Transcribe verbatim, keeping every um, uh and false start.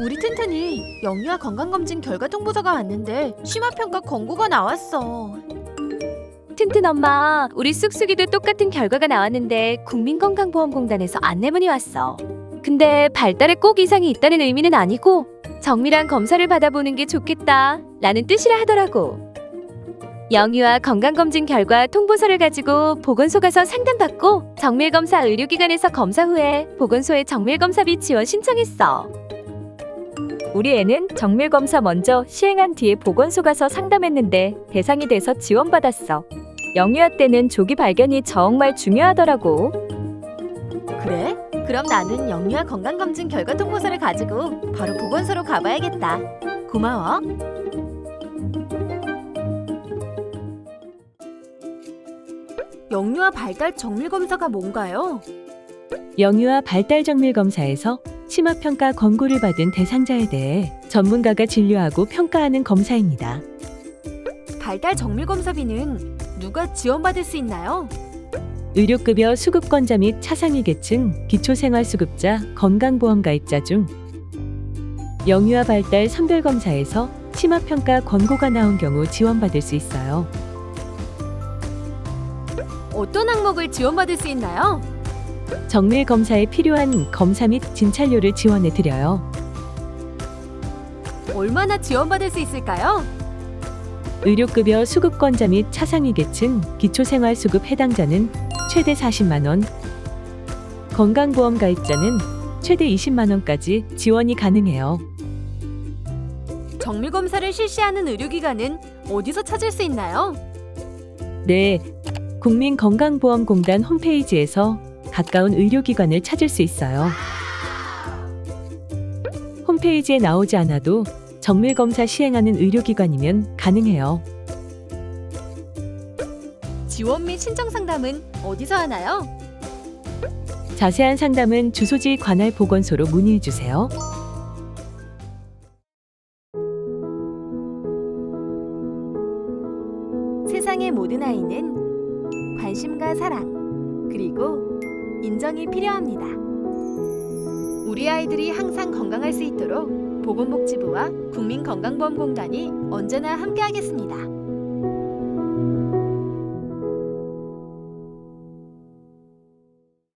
우리 튼튼이 영유아 건강검진 결과 통보서가 왔는데 심화평가 권고가 나왔어. 튼튼 엄마, 우리 쑥쑥이도 똑같은 결과가 나왔는데 국민건강보험공단에서 안내문이 왔어. 근데 발달에 꼭 이상이 있다는 의미는 아니고 정밀한 검사를 받아보는 게 좋겠다 라는 뜻이라 하더라고. 영유아 건강검진 결과 통보서를 가지고 보건소 가서 상담받고 정밀검사 의료기관에서 검사 후에 보건소에 정밀검사비 지원 신청했어. 우리 애는 정밀검사 먼저 시행한 뒤에 보건소 가서 상담했는데 대상이 돼서 지원받았어. 영유아 때는 조기 발견이 정말 중요하더라고. 그래? 그럼 나는 영유아 건강검진 결과 통보서를 가지고 바로 보건소로 가봐야겠다. 고마워. 영유아 발달 정밀검사가 뭔가요? 영유아 발달 정밀 검사에서 심화평가 권고를 받은 대상자에 대해 전문가가 진료하고 평가하는 검사입니다. 발달 정밀검사비는 누가 지원받을 수 있나요? 의료급여 수급권자 및 차상위계층, 기초생활수급자, 건강보험가입자 중 영유아 발달 선별검사에서 심화평가 권고가 나온 경우 지원받을 수 있어요. 어떤 항목을 지원받을 수 있나요? 정밀 검사에 필요한 검사 및 진찰료를 지원해 드려요. 얼마나 지원받을 수 있을까요? 의료급여 수급권자 및 차상위계층, 기초생활수급 해당자는 최대 사십만 원, 건강보험 가입자는 최대 이십만 원까지 지원이 가능해요. 정밀검사를 실시하는 의료기관은 어디서 찾을 수 있나요? 네, 국민건강보험공단 홈페이지에서 가까운 의료기관을 찾을 수 있어요. 홈페이지에 나오지 않아도 정밀검사 시행하는 의료기관이면 가능해요. 지원 및 신청 상담은 어디서 하나요? 자세한 상담은 주소지 관할 보건소로 문의해 주세요. 세상의 모든 아이는 관심과 사랑, 그리고 인정이 필요합니다. 우리 아이들이 항상 건강할 수 있도록 보건복지부와 국민건강보험공단이 언제나 함께하겠습니다.